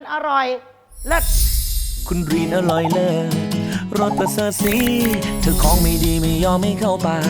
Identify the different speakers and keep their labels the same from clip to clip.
Speaker 1: อร่อยเลิศ
Speaker 2: คุณรีนอร่อยเลิศรสประเสริฐสีเธอของไม่ดีไม่ยอมไม่เข้าปาก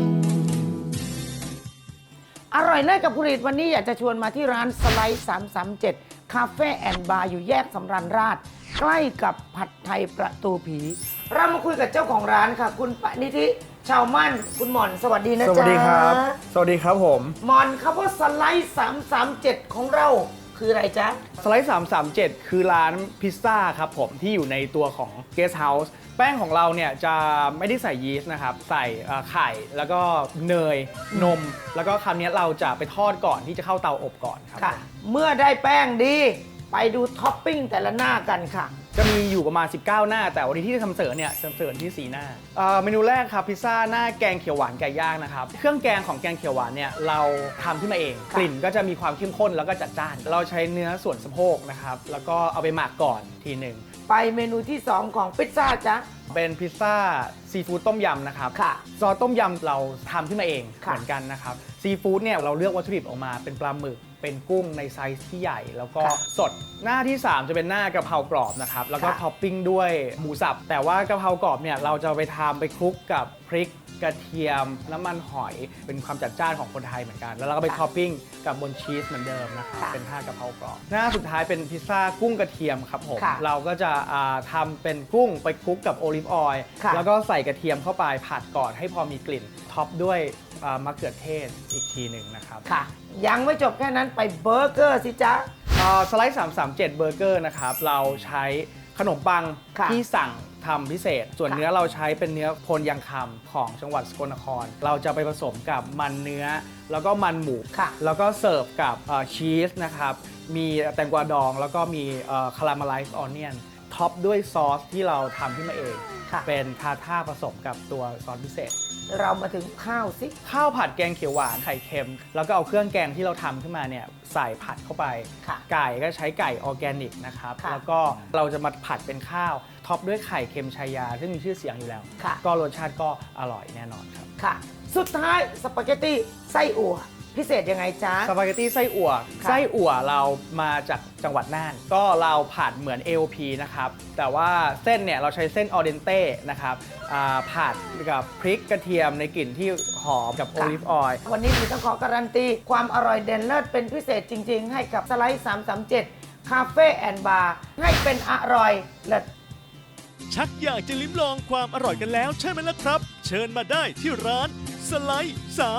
Speaker 1: อร่อยเลิศกับคุณรีดวันนี้อยากจะชวนมาที่ร้านสไลด์337คาเฟ่แอนด์บาร์อยู่แยกสำราญราษฎร์ใกล้กับผัดไทยประตูผี เรามาคุยกับเจ้าของร้านค่ะ คุณปณิธิชาวมั่นคุณหม่อนสวัสดีนะจ๊ะ
Speaker 3: สวัสดีครับสวัสดีครับผม
Speaker 1: หม่อนคำว่าสไลด์337ของเราคืออะไรจ๊ะ
Speaker 3: สไลด์337 คือร้านพิซซ่าครับผมที่อยู่ในตัวของเกสต์เฮาส์แป้งของเราเนี่ยจะไม่ได้ใส่ยีสต์นะครับใส่ไข่แล้วก็เนยนม แล้วก็คำนี้เราจะไปทอดก่อนที่จะเข้าเตาอบก่อนครับ
Speaker 1: ค่ะ เมื่อได้แป้งดี ไปดูท็อปปิ้งแต่ละหน้ากันค่ะ
Speaker 3: จะมีอยู่ประมาณ19 หน้าแต่วันนี้ที่จะทำเสริมเนี่ยจะเสริมที่4 หน้าเมนูแรกครับพิซซ่าหน้าแกงเขียวหวานไก่ย่างนะครับเครื่องแกงของแกงเขียวหวานเนี่ยเราทำขึ้นมาเองกลิ่นก็จะมีความเข้มข้นแล้วก็จัดจ้านเราใช้เนื้อส่วนสะโพกนะครับแล้วก็เอาไปหมักก่อนทีหนึ่ง
Speaker 1: ไปเมนูที่ 2 ของพิซซ่าจ๊ะ
Speaker 3: เป็นพิซซ่าซีฟู้ดต้มยำนะครับ
Speaker 1: ค่ะ
Speaker 3: ซอสต้มยำเราทำขึ้นมาเอง
Speaker 1: ค่ะ
Speaker 3: เหมือนกันนะครับซีฟู้ดเนี่ยเราเลือกวัตถุดิบออกมาเป็นปลาหมึกเป็นกุ้งในไซส์ที่ใหญ่ แล้วก็สดหน้าที่ 3 จะเป็นหน้ากะเพรากรอบนะครับแล้วก็ท็อปปิ้งด้วยหมูสับแต่ว่ากะเพรากรอบเนี่ยเราจะไปทำไปคลุกกับพริกกระเทียมน้ำมันหอยเป็นความจัดจ้านของคนไทยเหมือนกันแล้วเราก็ไปท็อปปิ้งกับบนชีสเหมือนเดิมนะครับเป็นท่ากะเพรากรอบหน้าสุดท้ายเป็นพิซซ่ากุ้งกระเทียมครับผม
Speaker 1: ค่ะ
Speaker 3: เราก็จะทำเป็นกุ้งไปคลุกกับโอลิฟออยล์
Speaker 1: ค่ะ
Speaker 3: แล้วก็ใส่กระเทียมเข้าไปผัดก่อนให้พอมีกลิ่นท็อปด้วยมะเขือเทศอีกทีหนึ่งนะครับ
Speaker 1: ค่ะ ยังไม่จบแค่นั้นไปเบอร์เกอร์สิจ๊ะ
Speaker 3: สไลด์337เบอร์เกอร์นะครับเราใช้ขนมปัง
Speaker 1: ค่ะ
Speaker 3: ที่สั่งทำพิเศษ ส่วน
Speaker 1: ค่ะ
Speaker 3: เนื้อเราใช้เป็นเนื้อโพนยังคำของจังหวัดสกลนคร เราจะไปผสมกับมันเนื้อแล้วก็มันหมู
Speaker 1: ค่ะ
Speaker 3: แล้วก็เสิร์ฟกับชีสนะครับมีแตงกวาดองแล้วก็มีคาราเมลไลซ์ออนเนียนท็อปด้วยซอสที่เราทำขึ้นมาเอง
Speaker 1: ค่ะ
Speaker 3: เป็นทาท่าผสมกับตัวซอสพิเศษ
Speaker 1: เรามาถึงข้าวสิ
Speaker 3: ข้าวผัดแกงเขียวหวานไข่เค็ม แล้วก็เอาเครื่องแกงที่เราทำขึ้นมาเนี่ยใส่ผัดเข้าไป
Speaker 1: ค่ะ
Speaker 3: ไก่ก็ใช้ไก่ออร์แกนิกนะครับ
Speaker 1: ค่ะ
Speaker 3: แล้วก็เราจะมาผัดเป็นข้าวท็อปด้วยไข่เค็มชายา ซึ่งมีชื่อเสียงอยู่แล้ว
Speaker 1: ค่ะ
Speaker 3: ก็รสชาติก็อร่อยแน่นอนครับ
Speaker 1: ค่ะ สุดท้ายสปาเกตตี้ไส้อั่วพิเศษยังไงจ๊ะ
Speaker 3: สปาเกตตี้ไส้อั่ว
Speaker 1: ค่ะ
Speaker 3: ไส้อั่วเรามาจากจังหวัดน่าน ก็เราผัดเหมือน AOP นะครับ แต่ว่าเส้นเนี่ยเราใช้เส้นออเดนเต้นะครับผัดกับพริกกระเทียมในกลิ่นที่หอมกับโอลิฟออยล์
Speaker 1: วันนี้ดิฉันขอการันตีความอร่อยเด่นเลิศเป็นพิเศษจริง ๆ ให้กับสไลด์337คาเฟ่แอนด์บาร์ให้เป็นอร่อยเลิศ
Speaker 4: ชักอยากจะลิ้มลองความอร่อยกันแล้วใช่ไหมล่ะครับ เชิญมาได้ที่ร้านสไลด์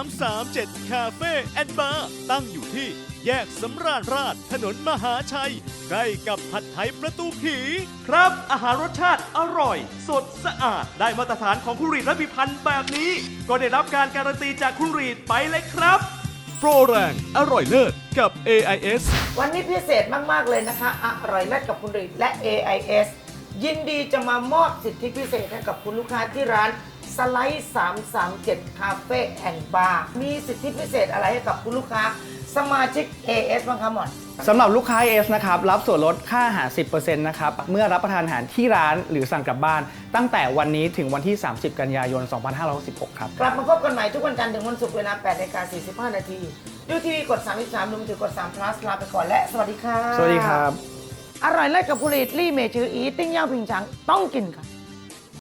Speaker 4: 337 คาเฟ่แอนด์บาร์ตั้งอยู่ที่แยกสำราญราษฎร์ถนนมหาชัย ใกล้กับผัดไทยประตูผี ครับ อาหารรสชาติอร่อย สดสะอาดได้มาตรฐานของคุณรีดและพิพันธ์แบบนี้ ก็ได้รับการการันตีจากคุณรีดไปเลยครับ โปรแรงอร่อยเลิศกับ AIS
Speaker 1: วันนี้พิเศษมาก ๆ เลยนะคะ อร่อยเลิศกับคุณรีดและ AIS ยินดีจะมามอบสิทธิพิเศษให้กับคุณลูกค้าที่ร้านสไลด์337 คาเฟ่แอนด์บาร์มีสิทธิพิเศษอะไรให้กับคุณลูกค้าสมาชิก AS บ้างคะหมอน
Speaker 3: สำหรับลูกค้า AS นะครับรับส่วนลดค่าอาหาร 10% นะครับเมื่อรับประทานอาหารที่ร้านหรือสั่งกลับบ้าน ตั้งแต่วันนี้ถึงวันที่ 30 กันยายน 2566 ครับ
Speaker 1: กลับมาพบกันใหม่ทุกวันจันทร์ถึงวันศุกร์เวลา 8:45 นาทีดูทีวีกด 33ดูมือถือกด3 plus ลาไปก่อนและสวัสดีค่ะ
Speaker 3: สวัสดีครับ
Speaker 1: อร่อยเลิศกับคุณรีดลี่เมจืออีติ้งย่างผิงฉังต้องกินค่ะ